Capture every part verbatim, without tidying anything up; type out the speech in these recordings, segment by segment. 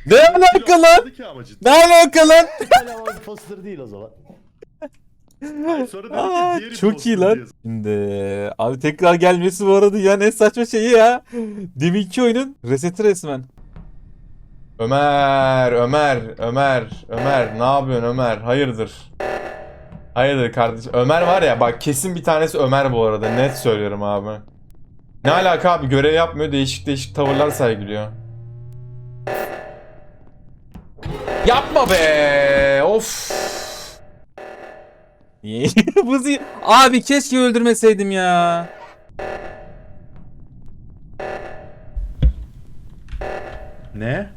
Ne alaka lan? Ne alaka lan? Hala imposter değil o zaman. Hayır, sonra dedi ki Aa, diğer çok iyi imposter lan. diye. Şimdi abi tekrar gelmesi bu arada ya ne saçma şeyi ya. Deminki oyunun reseti resmen. Ömer, Ömer, Ömer, Ömer ne yapıyorsun Ömer? Hayırdır? Hayırdır kardeşim? Ömer var ya bak kesin bir tanesi Ömer bu arada net söylüyorum abi. Ne alaka abi görev yapmıyor değişik değişik tavırlar sergiliyor. Yapma be of. Buzi abi keşke öldürmeseydim ya. Ne?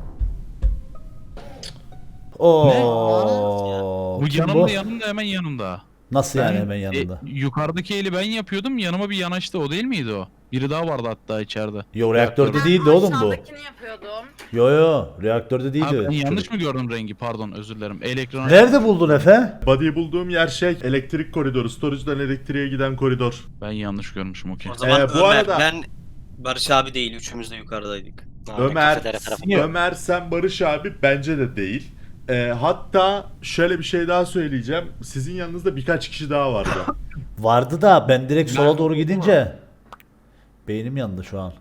Oo. Bu Kim yanımda yanımda hemen yanımda. Nasıl yani Ben- hemen yanında? E, yukarıdaki eli ben yapıyordum, yanıma bir yanaştı, o değil miydi o? Biri daha vardı hatta içeride. Yo reaktörde Reaktörde. değildi oğlum bu. Aşağıdakini yapıyordum. Yo yo reaktörde Ha, değildi. ben yanlış Çocuk. mı gördüm rengi, pardon özür dilerim. El ekranı... Nerede buldun Efe? Body'yi bulduğum yer şey elektrik koridoru. Storage'dan elektriğe giden koridor. Ben yanlış görmüşüm, okey. O zaman Ee, bu Ömer, arada- ben Barış abi değil, üçümüz de yukarıdaydık. Abi, Ömer, kafeterya tarafında. Ömer sen Barış abi bence de değil. Ee, hatta şöyle bir şey daha söyleyeceğim. Sizin yanınızda birkaç kişi daha vardı. Vardı da ben direkt sola doğru gidince beynim yandı şu an.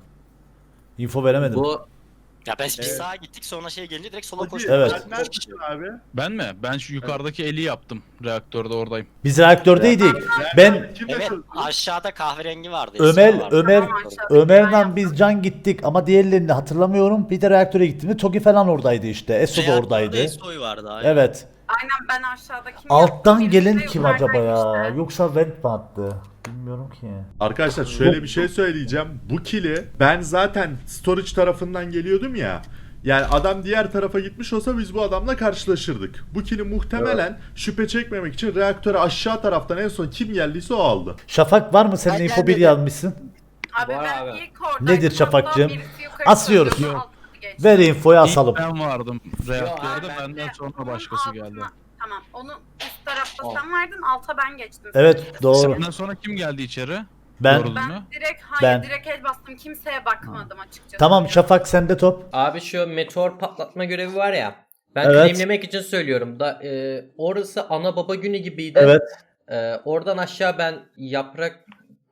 Info veremedim. Bu ya ben biz Evet. sağa gittik, sonra şey gelince direkt sola Hadi, koştuk. Evet. sen neredesin abi? Ben mi? Ben şu yukarıdaki eli yaptım. Reaktörde oradayım. Biz reaktördeydik. Ben Kimle Evet, çözdün? aşağıda kahverengi vardı. Ömer Esra vardı. Ömer Tamam, aşağıdaki ben Ömer'le yaptım. biz can gittik ama diğerlerini hatırlamıyorum. Bir de reaktöre gittiğimde Togi falan oradaydı işte. Eso da Reaktörde oradaydı. Esoy vardı abi. Evet. Aynen ben aşağıdakini Alttan yaptım. gelen Birisi kim acaba ya? yukarıdaydı Yoksa vent mi attı? Bilmiyorum ki. Arkadaşlar şöyle bir şey söyleyeceğim. Bu kili ben zaten storage tarafından geliyordum ya. Yani adam diğer tarafa gitmiş olsa biz bu adamla karşılaşırdık. Bu kili muhtemelen şüphe çekmemek için reaktöre aşağı taraftan en son kim geldiyse o aldı. Şafak var mı? Senin Ben info bir gelmedim. yazmışsın. Abi Var ben abi. ilk oradaydım. Nedir Şafakcığım? Hatta birisi yukarı Asıyoruz. çıkıyordu, Yok. altı geçti. Ver infoyu asalım. İlk ben vardım reaktörde, ben- benden sonra Onun başkası altına- geldi. Tamam. Onu üst tarafta Ol. sen vardın, alta ben geçtim. Evet doğru. Benden sonra kim geldi içeri? Ben Doğru. Ben Mü? direkt hayır Ben. direkt el bastım. Kimseye bakmadım açıkçası. tamam Şafak sende top. Abi şu meteor patlatma görevi var ya. Ben Evet. claimlemek için söylüyorum da e, orası ana baba günü gibiydi. Evet. E, oradan aşağı ben yaprak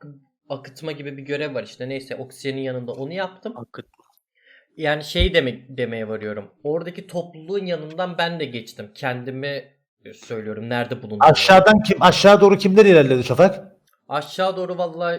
akıtma gibi bir görev var işte, neyse oksijenin yanında onu yaptım. Akıt. Yani şey demek demeye varıyorum. Oradaki topluluğun yanından ben de geçtim. Kendimi söylüyorum nerede bulunduğumu. Aşağıdan kim? Aşağı doğru kimler ilerledi Şafak? Aşağı doğru vallahi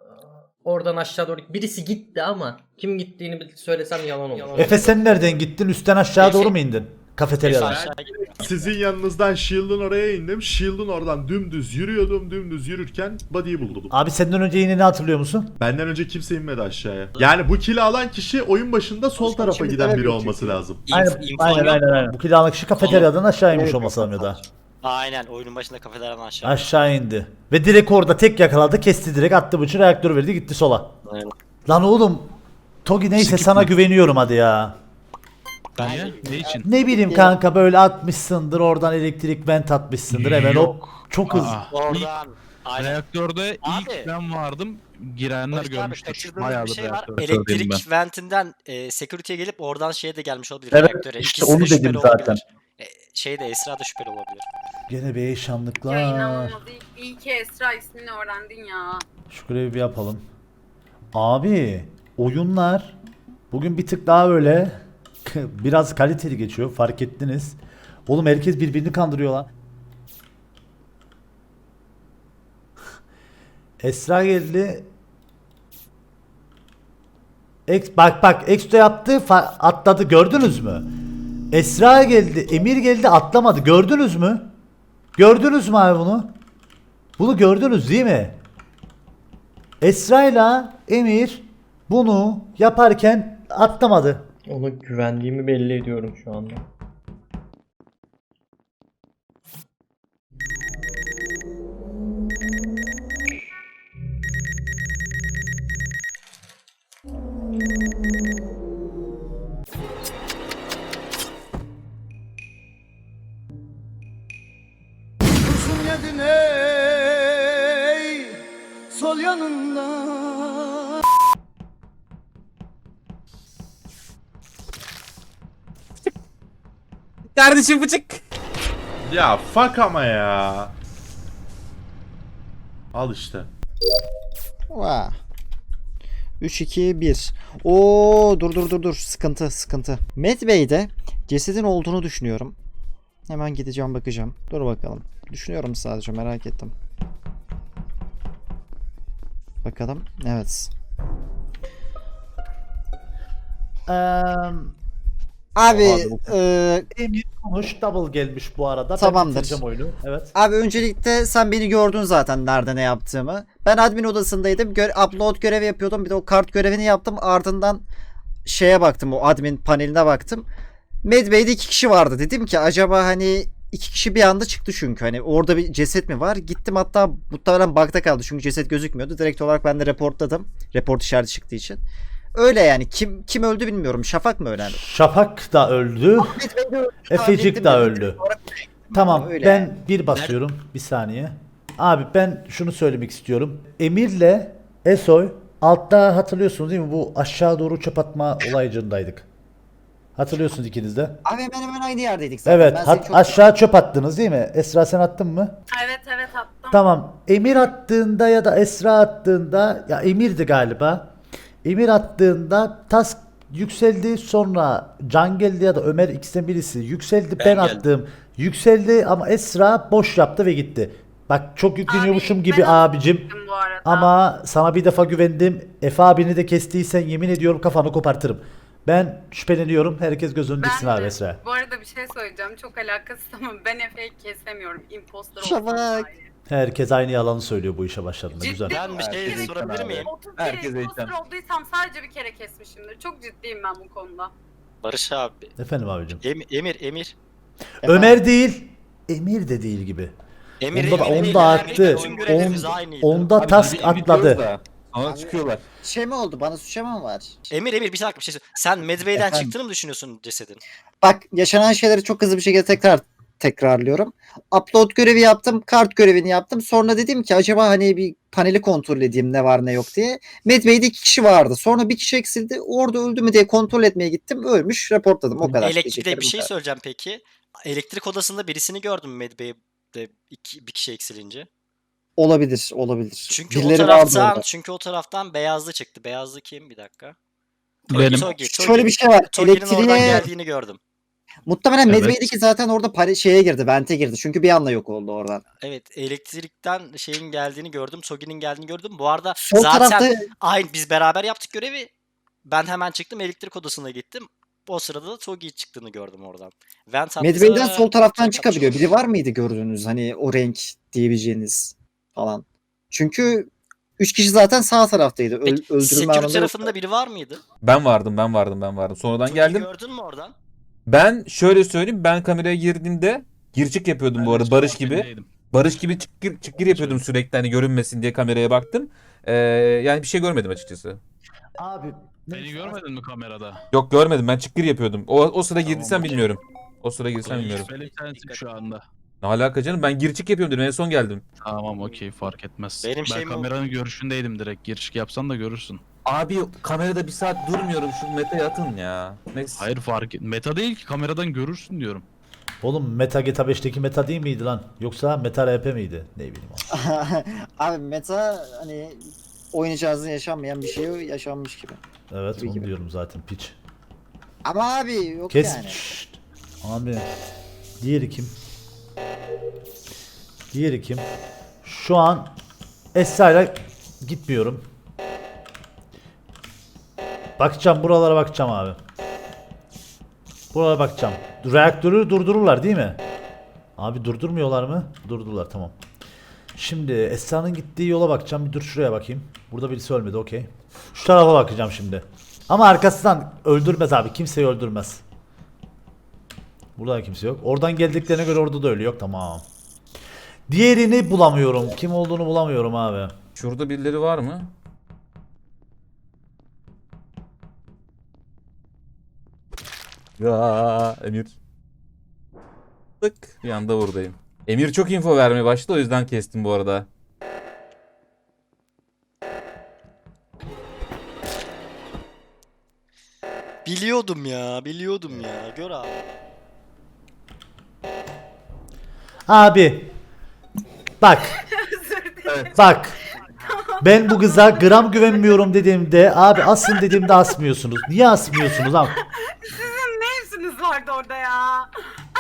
oradan aşağı doğru birisi gitti ama kim gittiğini bir söylesem yalan olur. Efe sen nereden gittin? Üstten aşağı Efe- doğru mu indin? Kafeteryadan. Aşağı gidiyor. Sizin yanınızdan Shield'ın oraya indim. Shield'ın oradan dümdüz yürüyordum. Dümdüz yürürken body'yi buldum. Abi senden önce yine ne hatırlıyor musun? Benden önce kimse inmedi aşağıya. Yani bu kili alan kişi oyun başında sol tarafa giden biri olması lazım. İnf- infom aynen, yok. aynen, aynen. Bu kiralık kişi kafeteryadan aşağı inmiş olması lazım ya da. Aynen, oyunun başında kafeteryadan aşağı. Aşağı indi. Ve direkt orada tek yakaladı, kesti direkt, attı bıçağı, reaktör verdi, gitti sola. Aynen. Lan oğlum, Togi neyse sana güveniyorum hadi ya. Niye? Ne için? Ne bileyim kanka böyle atmışsındır, oradan elektrik vent atmışsındır hemen hop. Yok. Çok hızlı. Aa, Oradan. Aynen. reaktörde Abi. ilk ben vardım. Girenler Barış abi, görmüştür. kaçırdığımız Bayağıdır bir şey var. reaktörde söyleyeyim ben. Elektrik ventinden e, security'ye gelip oradan şeye de gelmiş olabilir. Evet, reaktöre. işte İkisi de onu dedim şüpheli zaten. olabilir. E, şey de Esra da şüpheli olabilir. Gene be Ya şanlıklar. inanılmaz. İyi, iyi ki Esra ismini öğrendin ya. Şu görevi bir yapalım. Abi oyunlar bugün bir tık daha böyle biraz kaliteli geçiyor, fark ettiniz. Oğlum herkes birbirini kandırıyor lan. Esra geldi. Ex, bak bak Exto yaptı, fa- atladı, gördünüz mü? Esra geldi, Emir geldi, atlamadı, gördünüz mü? Gördünüz mü abi bunu? Bunu gördünüz değil mi? Esra'yla Emir bunu yaparken atlamadı. Ona güvendiğimi belli ediyorum şu anda. Kurşun yedin ey sol yanında. Kardeşim bıçık. Ya fuck ama ya. Al işte. Vaa. üç iki bir. Oo dur dur dur dur. Sıkıntı sıkıntı. Medbay'de cesedin olduğunu düşünüyorum. Hemen gideceğim bakacağım. Dur bakalım. Düşünüyorum sadece, merak ettim. Bakalım. Evet. Eee Abi Oha, bu- eee, Emir konuş, double gelmiş bu arada. Tamamdır. Ben bitireceğim oyunu. Evet. abi öncelikle sen beni gördün zaten nerede ne yaptığımı. Ben admin odasındaydım. Gö- upload görevi yapıyordum. Bir de o kart görevini yaptım. Ardından şeye baktım. O admin paneline baktım. Medbay'de iki kişi vardı. Dedim ki acaba hani iki kişi bir anda çıktı çünkü. Hani orada bir ceset mi var? Gittim, hatta muhtemelen bug'da kaldı. Çünkü ceset gözükmüyordu. Direkt olarak ben de reportladım. Report işareti çıktığı için. Öyle yani. Kim kim öldü bilmiyorum. Şafak mı ölen? Şafak da öldü. Medbay'de öldü. Efecik de öldü. Tamam, Öyle ben yani. bir basıyorum. Bir saniye. Abi ben şunu söylemek istiyorum. Emir'le Esoy altta hatırlıyorsunuz değil mi? Bu aşağı doğru çöp atma olaycındaydık. Hatırlıyorsunuz ikiniz de. Abi hemen hemen aynı yerdeydik zaten. Evet, Ben hat- seni çok- aşağı çöp attınız değil mi? Esra sen attın mı? Evet evet attım. Tamam. Emir attığında ya da Esra attığında, ya Emir'di galiba. Emir attığında task yükseldi, sonra Can geldi ya da Ömer, ikisinden birisi yükseldi, ben, Ben attım. Yükseldi ama Esra boş yaptı ve gitti. Bak çok yükleniyormuşum Abi, gibi ben abicim. attım bu arada. Ama sana bir defa güvendim. Efe abini de kestiysen yemin ediyorum kafanı kopartırım. Ben şüpheleniyorum. Herkes göz önünde Ben abi de- Esra. Bu arada bir şey söyleyeceğim. Çok alakasız ama ben Efe'yi kesemiyorum. Imposter Şafak. olsam dahi. Herkes aynı yalanı söylüyor bu işe başladığında. Ciddi Güzel. Ben bir şey Herkes sorabilir eğitim miyim? abi. otuz kere Herkes imposter eğitim. olduysam sadece bir kere kesmişimdir. Çok ciddiyim ben bu konuda. Barış abi. Efendim abicim. Em- Emir, Emir. Ömer değil. Emir de değil gibi. Emir, Onda da, Emir, onda Emir, attı. Bütün görevlerimiz On- aynıydı. onda Abi task biz bir atladı. gidiyoruz da, Sonra çıkıyorlar. Şey mi oldu? Bana suçlama mı var? Emir, Emir bir dakika bir şey söyle. Sen Medbay'den Efendim? çıktığını mı düşünüyorsun cesedin? Bak, yaşanan şeyleri çok hızlı bir şekilde tekrar tekrarlıyorum. Upload görevi yaptım, kart görevini yaptım. Sonra dedim ki acaba hani bir paneli kontrol edeyim ne var ne yok diye. Medbay'de iki kişi vardı. Sonra bir kişi eksildi. Orada öldü mü diye kontrol etmeye gittim. Ölmüş, reportladım. O kadar. Elektrikte Diyeceklerim bir bu şey kadar. söyleyeceğim peki. Elektrik odasında birisini gördüm Medbay'de iki, bir kişi eksilince. Olabilir, olabilir. Çünkü Birileri o vardı taraftan orada. çünkü o taraftan beyazlı çıktı. Beyazlı kim? Bir dakika. Benim. Togi, Togi. Şöyle bir şey var. Togi'nin oradan Elektriğe geldiğini gördüm. muhtemelen Evet. Medbay'deki zaten orada pare şeye girdi, vente girdi. Çünkü bir anda yok oldu oradan. Evet, elektrikten şeyin geldiğini gördüm. Togi'nin geldiğini gördüm. Bu arada Sol zaten tarafta aynı biz beraber yaptık görevi. Ben hemen çıktım elektrik odasına gittim. O sırada da Togi çıktığını gördüm oradan. Vent attı, Medbay'den sol taraftan şey çıkabiliyor. yapmış. Biri var mıydı gördüğünüz hani o renk diyebileceğiniz falan. Çünkü üç kişi zaten sağ taraftaydı. Öl, Peki, öldürme security anında tarafında yoktu. biri var mıydı? Ben vardım ben vardım ben vardım. Sonradan Togi'yi geldim. gördün mü oradan? Ben şöyle söyleyeyim, ben kameraya girdiğimde gir çık yapıyordum bu arada Barış gibi. Barış gibi çık gir, çık gir yapıyordum sürekli, hani görünmesin diye kameraya baktım. Ee, yani bir şey görmedim açıkçası. Abi Beni görmedin mi kamerada? Yok görmedim, ben çık gir yapıyordum. O, o sıra Tamam, girdiysen okey. bilmiyorum. O sıra girdiysen bilmiyorum. Şüpheli sensin şu anda. Ne alaka canım, ben gir çık yapıyorum dedim, en son geldim. Tamam okey fark etmez. Benim ben şeyim o. kameranın görüşündeydim direkt. Giriş yapsan da görürsün. Abi kamerada bir saat durmuyorum, şu meta'ya atın ya. Neyse. Hayır fark et. Meta değil ki kameradan görürsün diyorum. oğlum Meta G T A beşteki Meta değil miydi lan? Yoksa Meta R P miydi? Ne bileyim abi. Abi meta hani oynayacağınızda yaşanmayan bir şey yaşanmış gibi. Evet Tabii onu ki. diyorum zaten piç. Ama abi yok Kes. yani. Şşt. Abi. Diğeri kim? Diğeri kim? Şu an Esra'yla gitmiyorum. Bakacağım, buralara bakacağım abi. Buralara bakacağım. Reaktörü durdururlar değil mi? Abi durdurmuyorlar mı? Durdurdular, tamam. Şimdi Esra'nın gittiği yola bakacağım. Bir dur şuraya bakayım. Burada birisi ölmedi, okey. Şu tarafa bakacağım şimdi. Ama arkasından öldürmez abi. Kimseyi öldürmez. Burada da kimse yok. Oradan geldiklerine göre orada da ölü yok. Tamam. Diğerini bulamıyorum. Kim olduğunu bulamıyorum abi. Şurada birileri var mı? Ya Emir. Tık bir anda buradayım. Emir çok info vermeye başladı, o yüzden kestim bu arada. Biliyordum ya, biliyordum ya. Gör abi. Abi. Bak. Bak. Ben bu kıza gram güvenmiyorum dediğimde abi asın dediğimde asmıyorsunuz. Niye asmıyorsunuz abi? Sizin ne işiniz vardı orada ya?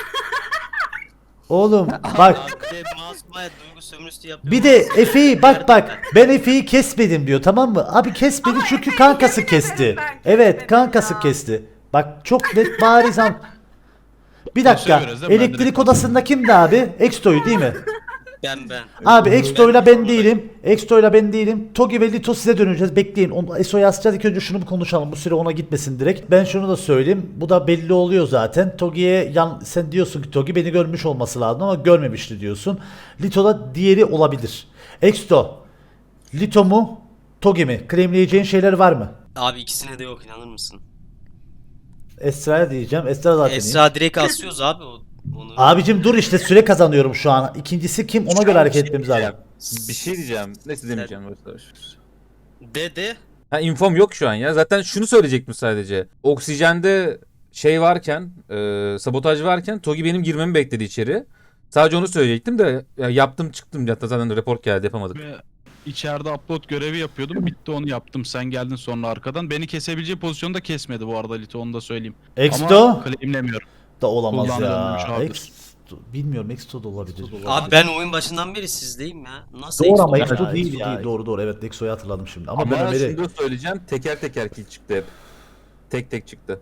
Oğlum bak. Masumaya duygu sömürüsü yapıyor. Bir de Efe'yi bak bak ben Efe'yi kesmedim diyor tamam mı? Abi kesmedi Ama çünkü Efe'yi kankası yemin kesti. ederim ben Evet kesmedim kankası ya. kesti. Bak çok net bariz an. Bir dakika veriyoruz değil mi? Ben elektrik direkt odasında kimdi abi? Exto'yu değil mi? Ben ben. Abi Exto'yla ben değilim. Exto'yla ben değilim. Togi ve Lito size döneceğiz. Bekleyin. Onu Eso'ya asacağız. İlk önce şunu bir konuşalım. Bu süre ona gitmesin direkt. Ben şunu da söyleyeyim. Bu da belli oluyor zaten. Togi'ye yan sen diyorsun ki Togi beni görmüş olması lazım ama görmemişti diyorsun. Lito da diğeri olabilir. Exto. Lito mu? Togi mi? Claimleyeceğin şeyler var mı? Abi ikisine de yok, inanır mısın? Esra'ya diyeceğim. Esra zaten iyi. Esra direkt asıyoruz abi o- onu. Abicim dur işte süre kazanıyorum şu an. İkincisi kim? Ona göre hareket etmemiz lazım. Bir şey diyeceğim. Neyse demeyeceğim. De de. Ha infom yok şu an ya. Zaten şunu söyleyecektim sadece. Oksijende şey varken, e, sabotaj varken Togi benim girmemi bekledi içeri. Sadece onu söyleyecektim de ya yaptım çıktım. Hatta zaten report geldi yapamadık. Ve içeride upload görevi yapıyordum. Bitti onu yaptım. Sen geldin sonra arkadan. Beni kesebileceği pozisyonda kesmedi bu arada Lito, onu da söyleyeyim. Exto Ama claimlemiyorum. da olamaz kullandırılmış ya. abidir. Exto, bilmiyorum Exto da olabilir. Abi ben oyun başından beri sizdeyim ya. Nasıl Doğru Exo ama ya? Exto ya, değil Exto ya. değil. Doğru doğru evet Exo'yu hatırladım şimdi. Ama, Ama ben Ömer'i... şunu da söyleyeceğim. Teker teker kill çıktı hep. Tek tek çıktı.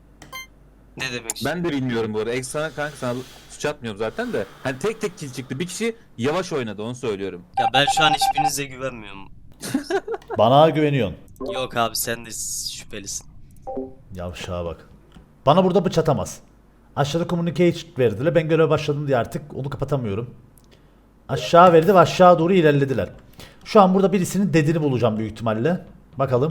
Ne demek? Ben de bilmiyorum bu arada. Ekstra kanka sana suç atmıyorum zaten de. Hani tek tek kill çıktı. Bir kişi yavaş oynadı onu söylüyorum. Ya ben şu an hiçbirinize güvenmiyorum. Bana güveniyorsun. Yok abi sen de şüphelisin. Yavşağa bak. Bana burada bıçatamaz. Aşağıda communicate verdiler. Ben göreve başladım diye artık onu kapatamıyorum. Aşağı verdi ve aşağı doğru ilerlediler. Şu an burada birisinin dedini bulacağım büyük ihtimalle. Bakalım.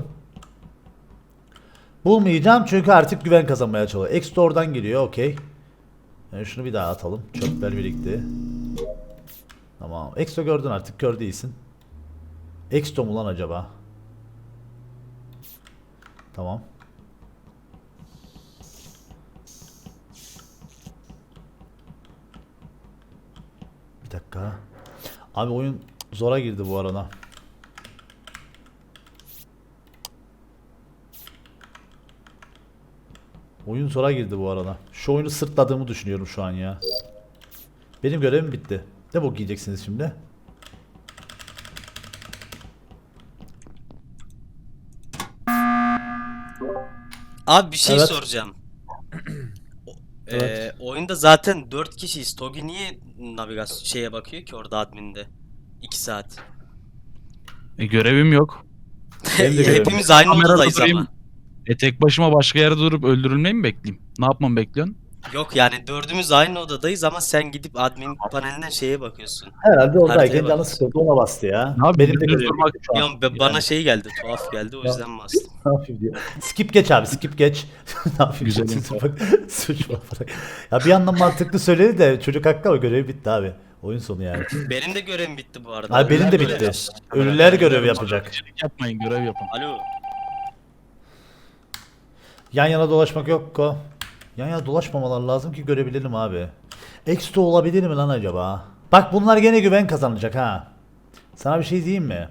Bulmayacağım çünkü artık güven kazanmaya çalışıyor. Exto oradan geliyor okey. Yani şunu bir daha atalım. Çöpler birikti. Tamam. Exto gördün artık kör değilsin. Exto mu lan acaba? Tamam. Bir dakika. Abi oyun zora girdi bu arada. Oyun zora girdi bu arada. Şu oyunu sırtladığımı düşünüyorum şu an ya. Benim görevim bitti. Ne bok yiyeceksiniz şimdi? Abi bir şey Evet. soracağım. O- Evet. Ee, oyunda zaten dört kişiyiz. Togi niye navigasyon şeye bakıyor ki orada adminde? iki saat. E, görevim yok. Benim de görevim. Hepimiz aynı Kamerada odadayız durayım. ama. E tek başıma başka yerde durup öldürülmeyi mi bekleyeyim? Ne yapmamı bekliyorsun? Yok yani dördümüz aynı odadayız ama sen gidip admin panelinden şeye bakıyorsun. Herhalde oradayken Haritaya canı bakıyorsun. sıkıldı ona bastı ya. Abi, Benim de düz görevim durmak- bitti şu an. Ya be- bana şey geldi, tuhaf geldi o yüzden bastım. Ne yapayım diyor. Skip geç abi skip geç. Ne yapayım Güzel diyor. info. Bak, suç var bırak. Ya bir yandan mantıklı söyledi de çocuk haklı ama görevi bitti abi. Oyun sonu yani. Benim de görevim bitti bu arada. Abi benim de Ölüler bitti. görevi. Ölüler görevi yapacak. Yapmayın, görev yapın. Alo. Yan yana dolaşmak yok ko. Yan yana dolaşmamalar lazım ki görebilelim abi. Extra olabilir mi lan acaba? Bak bunlar gene güven kazanacak ha. Sana bir şey diyeyim mi?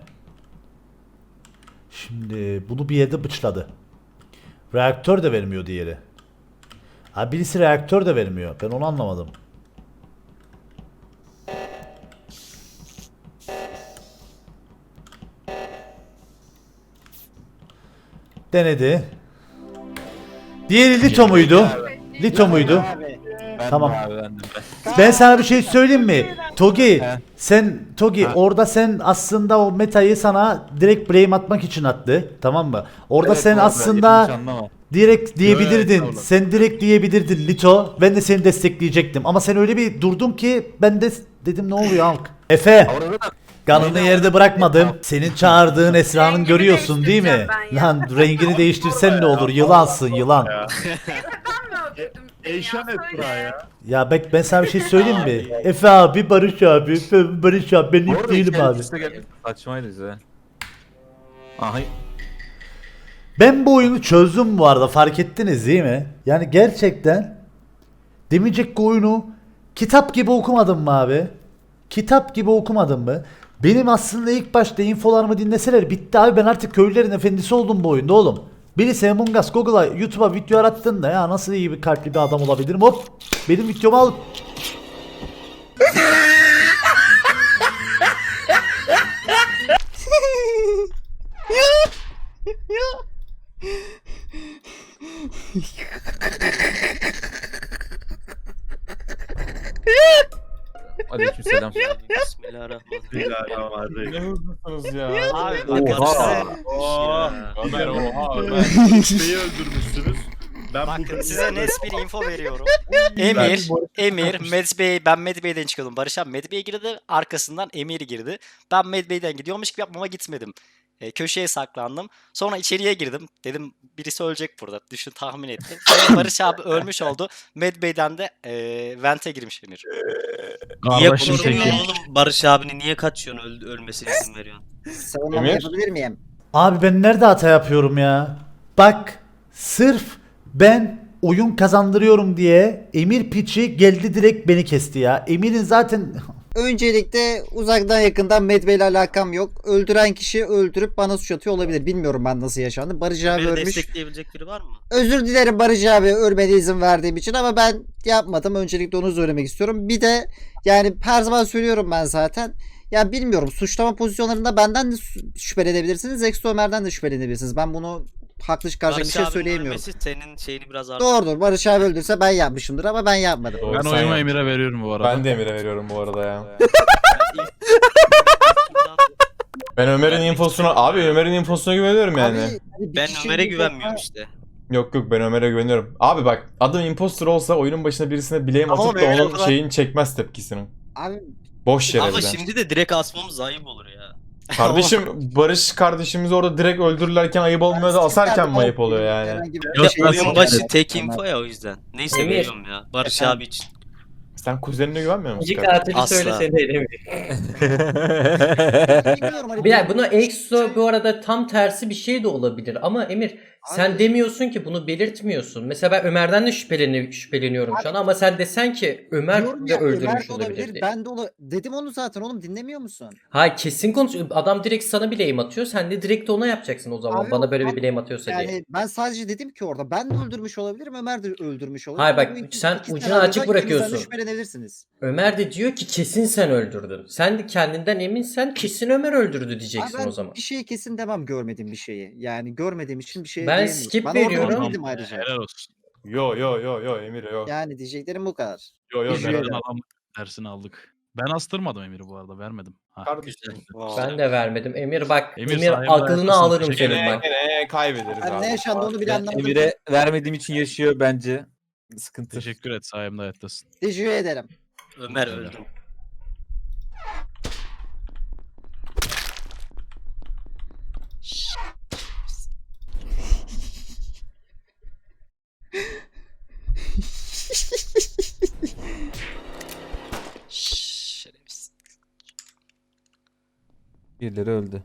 Şimdi bunu bir yerde bıçladı. Reaktör de vermiyor diğeri. Ha birisi reaktör de vermiyor. Ben onu anlamadım. Denedi. Diğeri Lito muydu? Lito muydu? Ben Tamam. de abi, ben de. Ben sana bir şey söyleyeyim mi? Togi, He. sen Togi Ha. orada sen aslında o metayı sana direkt blame atmak için attı. Tamam mı? Orada Evet, sen bu arada aslında yanlış anlama. direkt diyebilirdin. Evet, sen direkt diyebilirdin Lito. Ben de seni destekleyecektim. Ama sen öyle bir durdun ki ben de dedim ne oluyor halk? Efe, Orada da kanını yerde bırakmadım. Senin çağırdığın Esra'nın Rengini görüyorsun değil mi? değiştireceğim ben ya. Lan rengini değiştirsen ne olur? Yılansın yılan. Ben mi öldürdüm seni ya? Eyşan Söyle. Esra ya. Ya bak ben sana bir şey söyleyeyim mi? Efe abi, Barış abi, Efe, Barış abi ben Bu ip arada değilim içeri abi. üste gel- Saçmaydı bize. Aha. Ben bu oyunu çözdüm bu arada fark ettiniz değil mi? Yani gerçekten demeyecek ki oyunu Kitap gibi okumadın mı abi? Kitap gibi okumadın mı? Benim aslında ilk başta infolarımı dinleseler bitti abi, ben artık köylülerin efendisi oldum bu oyunda oğlum. Birisi Among Us Google'a YouTube'a video arattığında ya nasıl iyi bir kalpli bir adam olabilirim, hop benim videomu al. Aleykümselam. Bismillahirrahmanirrahim. Ne hızlısınız ya. Abi Oha. bakın Oha. Ömer oha Ömer. Neyi öldürmüşsünüz? Ben Bakın bu size net bir info veriyorum. Emir, Emir, Medbey, ben Medbey'den çıkıyordum. Barış abi Medbey girdi, arkasından Emir girdi. Ben Medbey'den gidiyormuş gibi yapmama gitmedim. E, köşeye saklandım. Sonra içeriye girdim. Dedim birisi ölecek burada. Düşün, tahmin ettim. Sonra Barış abi ölmüş oldu. Medbey'den de e, Vent'e girmiş Emir. Niye Kardeşim korumuyorsun peki. oğlum Barış abini niye kaçıyorsun öl- ölmesine izin veriyorsun? Savunmamı Emir? yapabilir miyim? Abi ben nerede hata yapıyorum ya? Bak sırf ben oyun kazandırıyorum diye Emir piçi geldi direkt beni kesti ya. Emir'in zaten Öncelikle uzaktan yakından Medbay ile alakam yok. Öldüren kişi öldürüp bana suç atıyor olabilir. Bilmiyorum ben nasıl yaşandı. Barış abi Beni ölmüş. destekleyebilecek biri var mı? Özür dilerim Barış abi ölmene izin verdiğim için ama ben yapmadım. Öncelikle onu söylemek istiyorum. Bir de yani her zaman söylüyorum ben zaten. Ya bilmiyorum, suçlama pozisyonlarında benden de su- şüphelenebilirsiniz. Exo Ömer'den de şüphelenebilirsiniz. Ben bunu haklı çıkaracak bir Barış şey abinin söyleyemiyorum. ölmesi senin şeyini biraz artır. Doğrudur, Barış abi öldürse ben yapmışımdır ama ben yapmadım. Doğru, Ben sen oyumu yap. Emir'e veriyorum bu arada. Ben de Emir'e veriyorum bu arada ya. Yani Ben Ömer'in infosuna abi Ömer'in infosuna güveniyorum yani. Abi, hani bir ben kişi Ömer'e bir güvenmiyorum defa- işte. Yok yok ben Ömer'e güveniyorum. Abi bak adam imposter olsa oyunun başına birisine bileğim Ama atıp da Ömer onun o kadar- şeyini çekmez tepkisini. Abi Boş yere Ama bir de. şimdi de direkt asmamız ayıp olur ya. Kardeşim Barış kardeşimiz orada direkt öldürürlerken ayıp olmuyor da asarken mi ayıp oluyor yani? herhangi bir Bir de şey oyun yok. başı tek info ya o yüzden. Neyse Emir. veriyorum ya. Barış Efendim? abi için. Sen kuzenine güvenmiyor musun? İki kardeşim? katili Asla. söylesene Emir. Bilmiyorum, hani Bir dakika, buna Exo bu arada tam tersi bir şey de olabilir ama Emir sen Abi- demiyorsun ki, bunu belirtmiyorsun. Mesela ben Ömer'den de şüpheleni, şüpheleniyorum şu an ama sen desen ki Ömer Diyorum de ya, Ömer öldürmüş de olabilir diye. Ben de ola- dedim onu zaten oğlum, dinlemiyor musun? Hayır, kesin konuşuyor. Adam direkt sana bir blame atıyor. Sen de direkt ona yapacaksın o zaman. Abi Bana o böyle zaman bir blame atıyorsa diye. Yani ben sadece dedim ki orada ben de öldürmüş olabilirim, Ömer de öldürmüş olabilir. Hayır, bak, Bu iki- sen iki ucunu senaryoda açık ikinizden de bırakıyorsun. şüphelenebilirsiniz. Ömer de diyor ki kesin sen öldürdün. Sen de kendinden eminsen kesin Ömer öldürdü Abi diyeceksin ben o zaman. bir şeyi kesin demem, görmediğim bir şeyi. Yani görmediğim için bir şey Ben diyemiyorum. skip ben veriyorum. orada değildim ayrıca. Helal olsun. Yo yo yo yo Emir yo. Yani diyeceklerim bu kadar. Yo yo Teşekkür ben ederim. Dersini, dersini aldık. Ben astırmadım Emir'i bu arada, vermedim. Ha. Kardeşim. Ben de vermedim. Emir bak, Emir Emir, sayemde aklını haklısın. alırım Teşekkür senin bak. Gene kaybederiz Ben abi. ne yaşandı onu bile Ben anlamadım. Emir'e vermediğim için yaşıyor bence. Sıkıntı. Teşekkür et, sayemde hayattasın. Teşekkür ederim. Ömer öldü. Şerefsiz. Birileri öldü.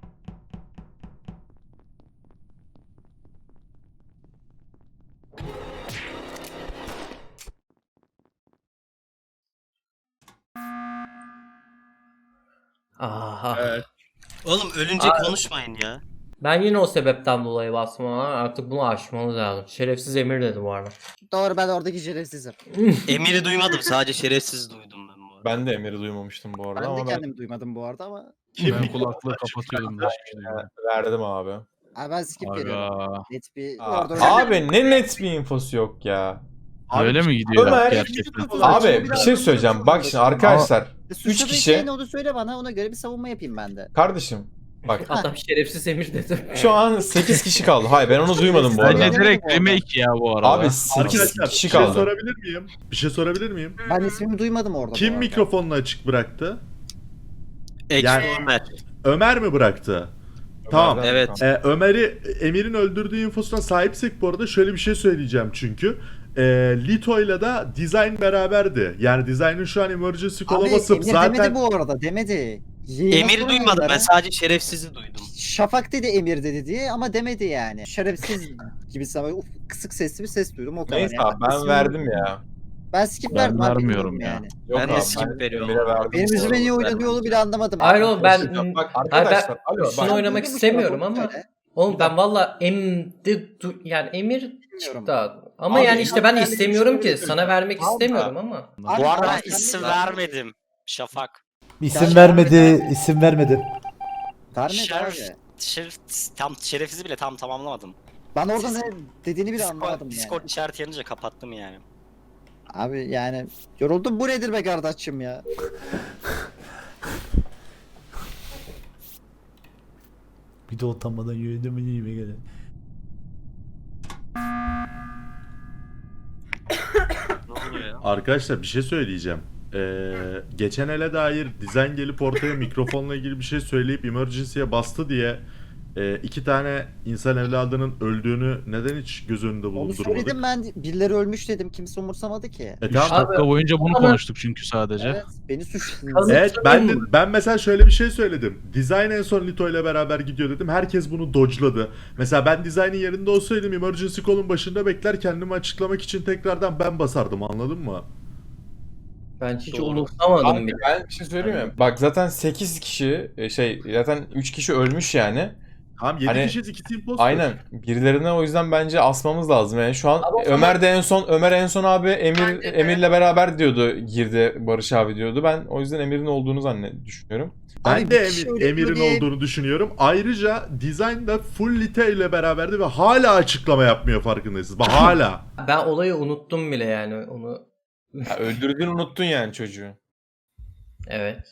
Aha. Evet. Oğlum ölünce Abi- konuşmayın ya. Ben yine o sebepten dolayı bastım ama artık bunu aşmamız lazım. Şerefsiz Emir dedi bu arada. Doğru, ben oradaki şerefsizim. Emir'i duymadım, sadece şerefsiz duydum ben bu arada. Ben de Emir'i duymamıştım bu arada Ben de ama ben kendimi duymadım bu arada ama. Ben kulaklığı kapatıyordum. da hiçbir şey duymadım. verdim abi. Abi ben skip veriyorum. Aga. Net bir Aa, orada öyle- abi ne net bir infosu yok ya. Öyle mi gidiyor Ömer- gerçekten? Abi bir şey söyleyeceğim. Bak şimdi arkadaşlar. E, Üç suçladığın kişi. şey ne onu söyle bana, ona göre bir savunma yapayım ben de. Kardeşim bak Adam şerefsiz Emir dedi. şu an sekiz kişi kaldı. Hayır ben onu duymadım bu Bence arada. direkt remake ya bu arada. Abi sekiz Arkadaşlar bir kişi şey kaldı. sorabilir miyim? Bir şey sorabilir miyim? Ben ismimi duymadım orada. bu Kim arada. mikrofonunu açık bıraktı? Exo Yani- Ömer. Ömer mi bıraktı? Tamam. Ömer'den Evet. kaldı. Ee, Ömer'i Emir'in öldürdüğü infosuna sahipsek bu arada şöyle bir şey söyleyeceğim çünkü. Ee, Lito'yla da Design beraberdi. Yani Design'ın şu an emergency Abi call'a basıp Emir zaten... demedi bu arada, demedi. Yayına Emir'i sorun duymadım, onlara. ben sadece şerefsizi duydum. Şafak dedi Emir dedi diye ama demedi yani. Şerefsiz gibi sana uf, kısık sesli bir ses duydum o kadar. Neyse yani. abi ben İsmini- verdim ya. Ben skip Ben verdim. abi, vermiyorum bilmiyorum ya. yani. Yok Ben de abi, skip veriyorum. Emir'e verdim Benim bu yüzüme arada. niye oynanıyor onu bile anlamadım. Hayır oğlum ben Bak hayır arkadaşlar, ben alo, üstüne bak. oynamak Duydun mu istemiyorum sonra, ama onu söyle. oğlum ben valla emdi du- yani emir çıktı abi. Ama Abi, yani işte ben de yani bir istemiyorum şey ki söyleyeyim. sana vermek Tamam da- istemiyorum ama. Abi, Bu arada tamam, isim sen de- vermedim. Şafak. İsim vermedi, isim vermedi. Vermedi Şeref, abi. şeref, tam şerefizi bile tam tamamlamadım. Ben orada ne dediğini bile anlamadım Discord, yani. Discord işareti yanınca kapattım yani. Abi yani yoruldum, bu nedir be kardeşim ya. Bir de utanmadan yürüdüm iyime göre. Ne oluyor ya? Arkadaşlar bir şey söyleyeceğim. Ee, geçen ele dair dizayn gelip ortaya mikrofonla ilgili bir şey söyleyip emergency'ye bastı diye e, iki tane insan evladının öldüğünü neden hiç göz önünde Onu bulundurmadık? söyledim ben, birileri ölmüş dedim, kimse umursamadı ki. E üç tamam. dakika boyunca bunu Ama- konuştuk çünkü sadece. Evet, beni suçladınız. Evet ben de, ben mesela şöyle bir şey söyledim. Design en son Lito ile beraber gidiyor dedim. Herkes bunu dodge'ladı. Mesela ben Design'in yerinde olsaydım emergency call'un başında bekler, kendimi açıklamak için tekrardan ben basardım, anladın mı? Ben hiç Doğru. umursamadım Abi bile. ben bir şey söyleyeyim mi? Bak zaten sekiz kişi e, şey zaten üç kişi ölmüş yani. Tamam yedi Hani- kişiyiz, ikisi imposter. Aynen. Birilerine o yüzden bence asmamız lazım. Yani şu an Ama o zaman- Ömer de en son Ömer en son abi Emir Bence de. Emir'le beraber diyordu, girdi Barış abi diyordu. Ben o yüzden Emir'in olduğunu zannet düşünüyorum. Ben Abi de bir kişi Emir- öyle Emir'in böyle- olduğunu düşünüyorum. Ayrıca Design da full Lite ile beraberdi ve hala açıklama yapmıyor, farkındayız. Bak hala. Ben olayı unuttum bile yani onu. Ya öldürdüğünü unuttun yani çocuğu. Evet.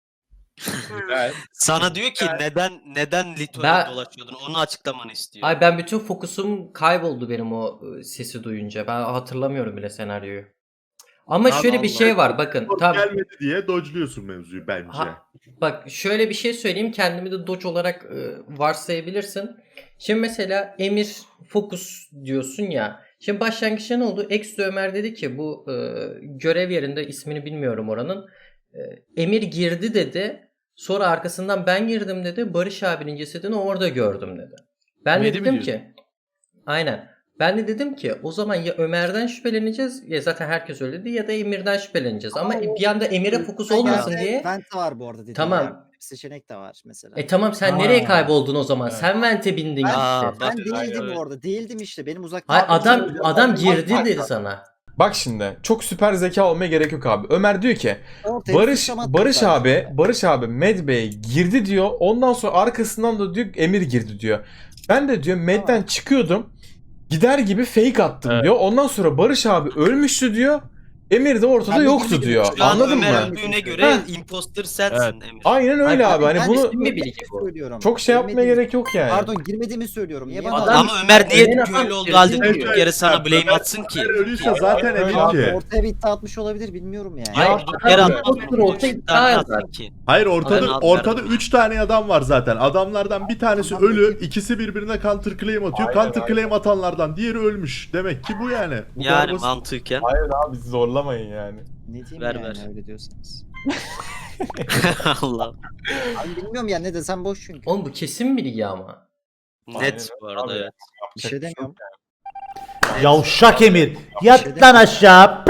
Güzel. Sana diyor ki neden neden Lito'ya Ben- dolaşıyordun? Onu açıklamanı istiyor. Ay ben bütün fokusum kayboldu benim o ı, sesi duyunca. Ben hatırlamıyorum bile senaryoyu. Ama Allah şöyle bir Allah. şey var bakın. Tam Gelmedi diye dodge'luyorsun mevzuyu bence. Ha, bak şöyle bir şey söyleyeyim, kendimi de Doge olarak e, varsayabilirsin. Şimdi mesela Emir Fokus diyorsun ya. Şimdi başlangıçta ne oldu? Extra Ömer dedi ki bu e, görev yerinde, ismini bilmiyorum oranın. E, Emir girdi dedi. Sonra arkasından ben girdim dedi. Barış abinin cesedini orada gördüm dedi. Ben de Mehdi mi dedim diyorsun? ki aynen. Ben de dedim ki o zaman ya Ömer'den şüpheleneceğiz, ya zaten herkes öyle dedi, ya da Emir'den şüpheleneceğiz. Ama, Ama o- bir anda Emir'e fokus Ben olmasın gelse diye. Vent var bu arada dediğim Tamam. ya. Bir seçenek de var mesela. E tamam sen Ha. nereye kayboldun o zaman? Evet. Sen vente bindin Aa, gitti. bak- Ben değildim Evet. orada. Değildim işte. Benim uzaktan... Hayır adam adam Bak, girdi bak, dedi bak. sana. Bak şimdi çok süper zeka olmaya gerek yok abi. Ömer diyor ki Ortaya Barış sıçramadım Barış zaten. abi Barış abi Medbay'e girdi diyor. Ondan sonra arkasından da diyor Emir girdi diyor. Ben de diyor Med'den Tamam. çıkıyordum. Gider gibi fake attım Evet. diyor. Ondan sonra Barış abi ölmüştü diyor. Emir de ortada Ben de yoktu girmedim. diyor. Şu an Anladın Ömer mı? öldüğüne göre Ha. imposter sensin Emir. Aynen öyle Hayır, abi. Hani Ben bunu isim mi bilgi bu? söylüyorum. çok şey yapmaya Girmediğimi- gerek yok yani. Pardon, girmediğimi söylüyorum. Niye Niye bana... adam- Ama Ömer niye Ömer'in adam köylü olduğu halde girdi durduk diyor. yere sana Evet, blame Ömer- atsın ki? Ömer ölüyse zaten Öyle Emir abi. ki. Ortaya bir iddia atmış olabilir, bilmiyorum yani. Ya Hayır, durduk adam yere imposter atmasın. olsa Bir iddia tane eder. atsın ki. Hayır, ortada Aynen. ortada üç tane adam var zaten. Adamlardan bir tanesi Tamam, ölü, peki. ikisi birbirine counter claim atıyor. Aynen, Counter claim atanlardan diğeri ölmüş. Demek ki bu yani. Bu kadar Yani basit. mantıken. Hayır abi bizi zorlamayın yani. Ne diyeyim Ver, yani ver. öyle diyorsanız. Allah. Abi bilmiyorum ya, ne desem boş çünkü. Oğlum bu kesin bilgi ama. Net bu arada Abi. evet. Bir şey demiyorum. Yavşak Emir. Yat lan aşağı.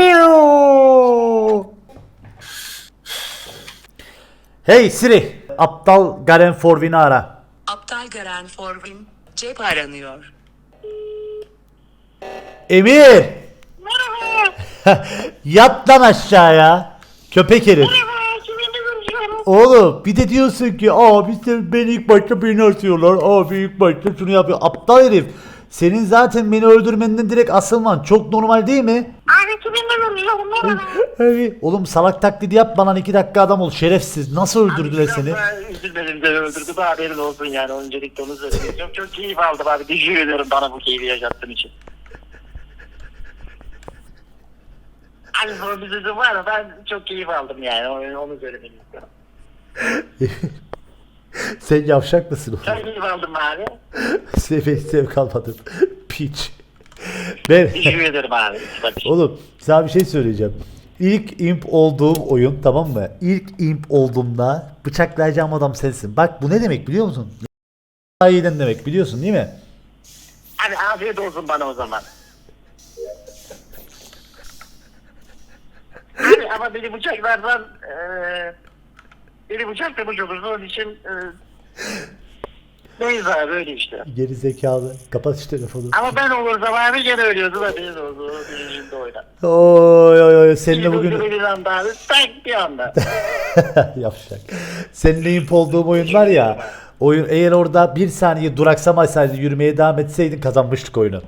Piu! Hey Siri. Aptal Garen Forvin'i ara. Aptal Garen Forvin, cep aranıyor. Emir. Yat lan aşağıya. Köpek herif. Oğlum bir de diyorsun ki abi sen beni ilk başta beni atıyorlar. Abi ilk başta şunu yapıyor. Aptal herif. Senin zaten beni öldürmenden direkt asılman çok normal değil mi? Abi, oğlum salak taklidi yapma lan, iki dakika adam ol şerefsiz. Nasıl öldürdüler seni? Üzülmedim de öldürdü de haberin olsun yani, öncelikle onu söylemek istiyorum. Çok keyif aldım abi, teşekkür ediyorum bana bu keyfi yaşattığın için. Hani bunun bir sözü var ama ben çok keyif aldım yani, onu, onu söylemek istiyorum. Sen yavşak mısın oğlum? Çok keyif aldım abi. Sev zevk almadım. Piç. Ben... Teşekkür ederim abi. Bak. Oğlum sana bir şey söyleyeceğim. İlk imp olduğum oyun, tamam mı? İlk imp olduğumda bıçaklayacağım adam sensin. Bak bu ne demek biliyor musun? İyiden demek biliyorsun değil mi? Hadi afiyet olsun bana o zaman. ama beni bıçaklardan eee beni bıçaklamış olursa onun için eee neyse abi öyle işte. Geri zekalı. Kapat şu telefonu. Ama ben olursam abi gene ölüyordu da benim oldu. O bilincinde oynar. Oy oy oy seninle bugün Bir anda abi tak bir anda. yapacak. Seninle imp olduğum oyun var ya. Oyun eğer orada bir saniye duraksamasaydın, yürümeye devam etseydin kazanmıştık oyunu.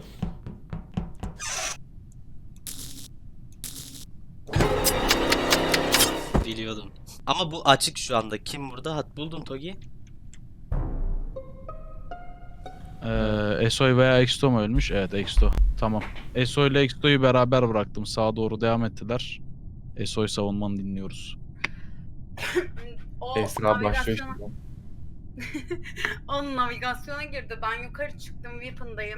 Biliyordum. Ama bu açık şu anda. Kim burada? Hat buldum Togi. Ee, Esoy veya Exto mu ölmüş? Evet, Exto. Tamam. Esoy ile Exto'yu beraber bıraktım. Sağa doğru devam ettiler. Esoy savunmanı dinliyoruz. O Esra başlıyor navigasyona- şimdi. O navigasyona girdi. Ben yukarı çıktım. Weapon'dayım.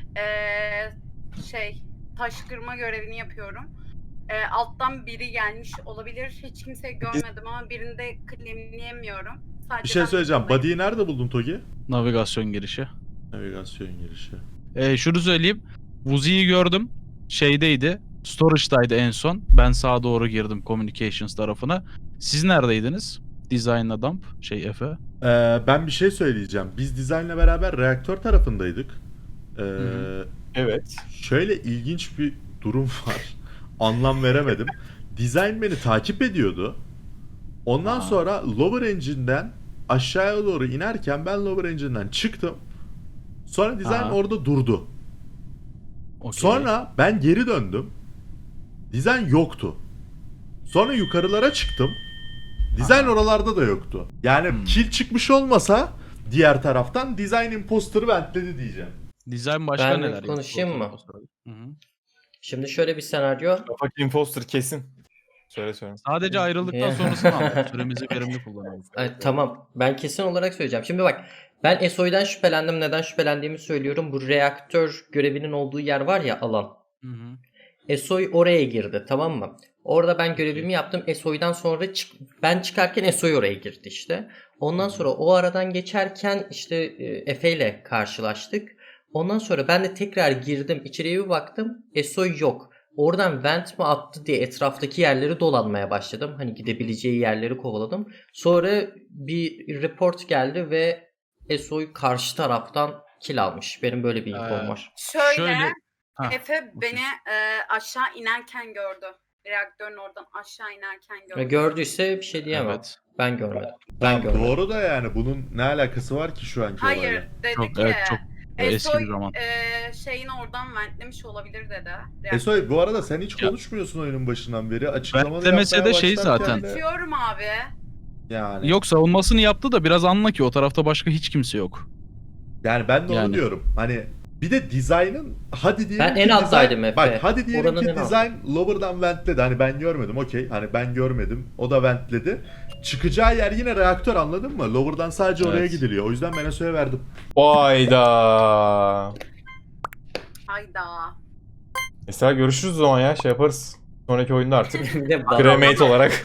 Ee, şey, taş kırma görevini yapıyorum. Ee, alttan biri gelmiş olabilir. Hiç kimseyi görmedim ama birinde claimleyemiyorum. Sadece Bir şey ben söyleyeceğim. Weapon'dayım. Body'yi nerede buldun Togi? Navigasyon girişi. Navigasyon girişi. Ee, şunu söyleyeyim. Vuzi'yi gördüm. Şeydeydi. Storage'daydı en son. Ben sağa doğru girdim Communications tarafına. Siz neredeydiniz? Design'la dump. Şey Efe. Ee, ben bir şey söyleyeceğim. Biz dizaynla beraber reaktör tarafındaydık. Ee, hı. Evet. Şöyle ilginç bir durum var. Anlam veremedim. Design beni takip ediyordu. Ondan Aa. sonra lower engine'den aşağıya doğru inerken ben lower engine'den çıktım. Sonra design Aa. orada durdu. Okey. Sonra ben geri döndüm. Design yoktu. Sonra yukarılara çıktım. Design Aha. oralarda da yoktu. Yani Hmm. kill çıkmış olmasa diğer taraftan Design imposter'ı ventledi diyeceğim. Design başka Ben neler yaptı? konuşayım mı? Hı hı. Şimdi şöyle bir senaryo. Kapak imposter kesin. Söyle söyle. Sadece ayrıldıktan Ya. sonrasını anlat. Süremizi verimli kullanalım. Ay, tamam. Ben kesin olarak söyleyeceğim. Şimdi bak. Ben Esoy'dan şüphelendim. Neden şüphelendiğimi söylüyorum. Bu reaktör görevinin olduğu yer var ya, alan. Hı hı. Esoy oraya girdi, tamam mı? Orada ben görevimi yaptım. Esoy'dan sonra çık ben çıkarken Esoy oraya girdi işte. Ondan sonra o aradan geçerken işte e, Efe ile karşılaştık. Ondan sonra ben de tekrar girdim. İçeriye bir baktım. Esoy yok. Oradan vent mi attı diye etraftaki yerleri dolanmaya başladım. Hani gidebileceği yerleri kovaladım. Sonra bir report geldi ve Esoy karşı taraftan kill almış. Benim böyle bir infom Ee, var. Şöyle, Şöyle- Ha, Efe beni e, aşağı inerken gördü. Reaktörün oradan aşağı inerken gördü. Ve gördüyse bir şey diyemem. Evet. Ben görmedim. Ben görmedim. Doğru da yani bunun ne alakası var ki şu anki Hayır, olayla? dedi Çok, ki evet, çok eski Esoy bir zaman. e, şeyin oradan ventlemiş olabilir dedi. Esoy bu arada sen hiç Ya. konuşmuyorsun oyunun başından beri. Açıklamanı Ventlemese yapmaya de şey başlarken zaten. de- Konuşuyorum abi. Yani. Yok, savunmasını yaptı da biraz anla ki o tarafta başka hiç kimse yok. Yani ben de onu Yani. diyorum. Hani bir de design'ın hadi diyelim Ben ki en alttaydım design- Efe. Bak hadi diyelim Oranın ki en altı. design lower'dan ventledi. Hani ben görmedim okey. Hani ben görmedim. O da ventledi. Çıkacağı yer yine reaktör, anladın mı? Lower'dan sadece oraya Evet. gidiliyor. O yüzden ben Esoy'a verdim. Hayda. Hayda. Mesela görüşürüz o zaman ya, şey yaparız. Sonraki oyunda artık. Bir de bak- Cremate olarak.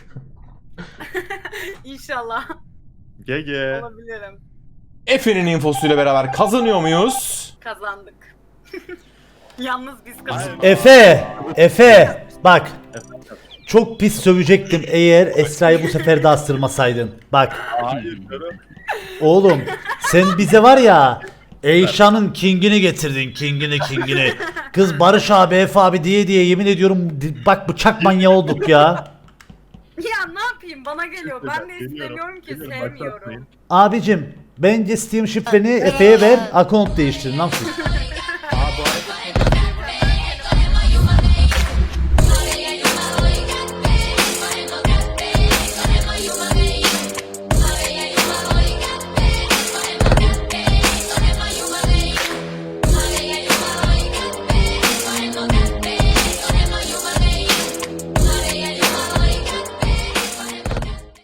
İnşallah G G. olabilirim. Efe'nin infosuyla beraber kazanıyor muyuz? Kazandık. Yalnız biz kazandık. Efe! Efe! Bak. Çok pis sövecektim eğer Esra'yı bu sefer de astırmasaydın. Bak. Oğlum sen bize var ya Eyşan'ın kingini getirdin, kingini kingini. Kız Barış abi, Efe abi diye diye yemin ediyorum di- bak bıçak manyağı olduk ya. Ya ne yapayım, bana geliyor. Ben de Geliyorum, istemiyorum ki, geliyorum, sevmiyorum. başlatmayın. Abicim bence Steam şifreni Efe'ye ver, account değiştirin lan siz.